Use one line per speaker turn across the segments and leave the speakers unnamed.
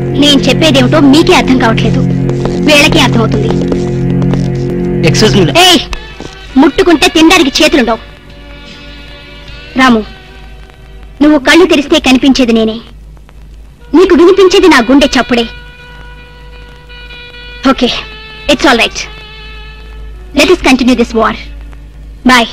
నేను చెప్పేదేమిటో మీకే అర్థం కావట్లేదు, వీళ్ళకి అర్థమవుతుంది. ఏయ్, ముట్టుకుంటే తినడానికి చేతులుండవు. రాము, నువ్వు కళ్ళు తెరిస్తే కనిపించేది నేనే, నీకు వినిపించేది నా గుండె చప్పుడే. Okay, it's all right. Let us continue this war. Boy.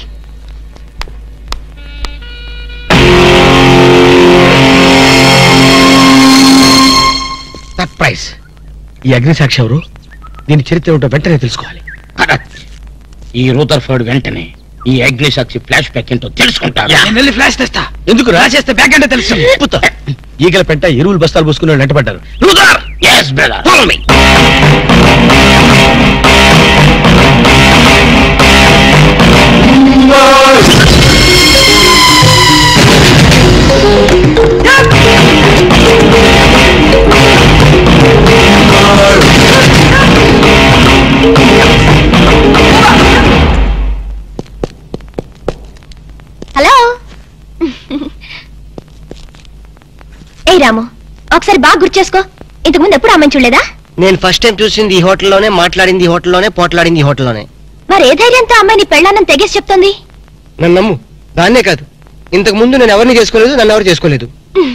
Surprise. ఈ అగ్నిసాక్షి ఎవరు? దీని చరిత్ర ఏమిటో వెంటనే తెలుసుకోవాలి.
ఈ రూదర్ఫర్డ్ వెంటనే ఈ అగ్నిసాక్షి ఫ్లాష్ బ్యాక్ ఏంటో తెలుసుకుంటారు.
నేను వెళ్ళి ఫ్లాష్ తెస్తా. ఎందుకు రాసేస్తే బ్యాక్ అంటే తెలుసు. ఈగల పెంట ఎరువులు బస్తాలు పోసుకుని వెంటబడ్డారు.
రూదర్, yes brother, follow me.
Hello. ఏ రాము, ఒకసారి బాగా గుర్తు చేసుకో, ఇంతకుముందు ఎప్పుడు అమ్మని చూడలేదా?
నేను ఫస్ట్ టైం చూసింది ఈ హోటల్లోనే, మాట్లాడింది ఈ హోటల్లోనే, పోట్లాడింది ఈ హోటల్లోనే.
మరి ఏ ధైర్యంతో అమ్మాయిని పెళ్ళానని తెగేసి చెప్తుంది?
నన్ను నమ్ము. దాన్నే కాదు, ఇంతకు ముందు నేను ఎవరిని చేసుకోలేదు, నన్ను ఎవరు చేసుకోలేదు.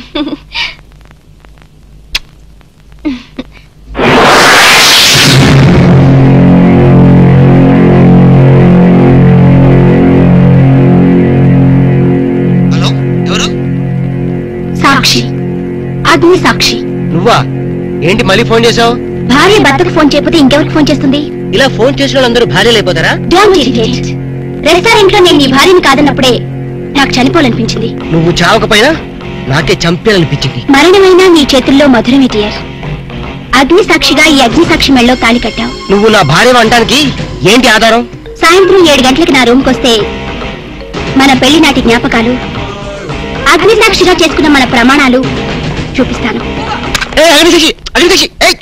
హలో, ఎవరు?
సాక్షి, అగ్ని సాక్షి.
నువ్వా? ఏంటి మళ్ళీ ఫోన్ చేసావు?
భార్య భర్తకు ఫోన్ చేయకపోతే ఇంకెవరికి ఫోన్ చేస్తుంది?
ఇలా ఫోన్ చేసిన వాళ్ళందరూ భార్యలు అయిపోతారా?
Don't irritate. రెస్టారెంట్ లో నేను నీ భార్యని కాదన్నప్పుడే నాకు చనిపోవాలనిపించింది.
నువ్వు చావకపోయినా నాకే చంపేయాలనిపించింది.
మరణమైనా నీ చేతుల్లో మధురమే డియర్. అగ్ని సాక్షిగా ఈ అగ్ని సాక్షి మెళ్ళలో తాళి కట్టావు.
నువ్వు నా భార్య అనడానికి ఏంటి ఆధారం?
సాయంత్రం 7 గంటలకు నా రూమ్కి వస్తే మన పెళ్లి నాటి జ్ఞాపకాలు, అగ్ని సాక్షిగా చేసుకున్న మన ప్రమాణాలు చూపిస్తాను.
అగ్నిసాక్షి, అగ్నిసాక్షి,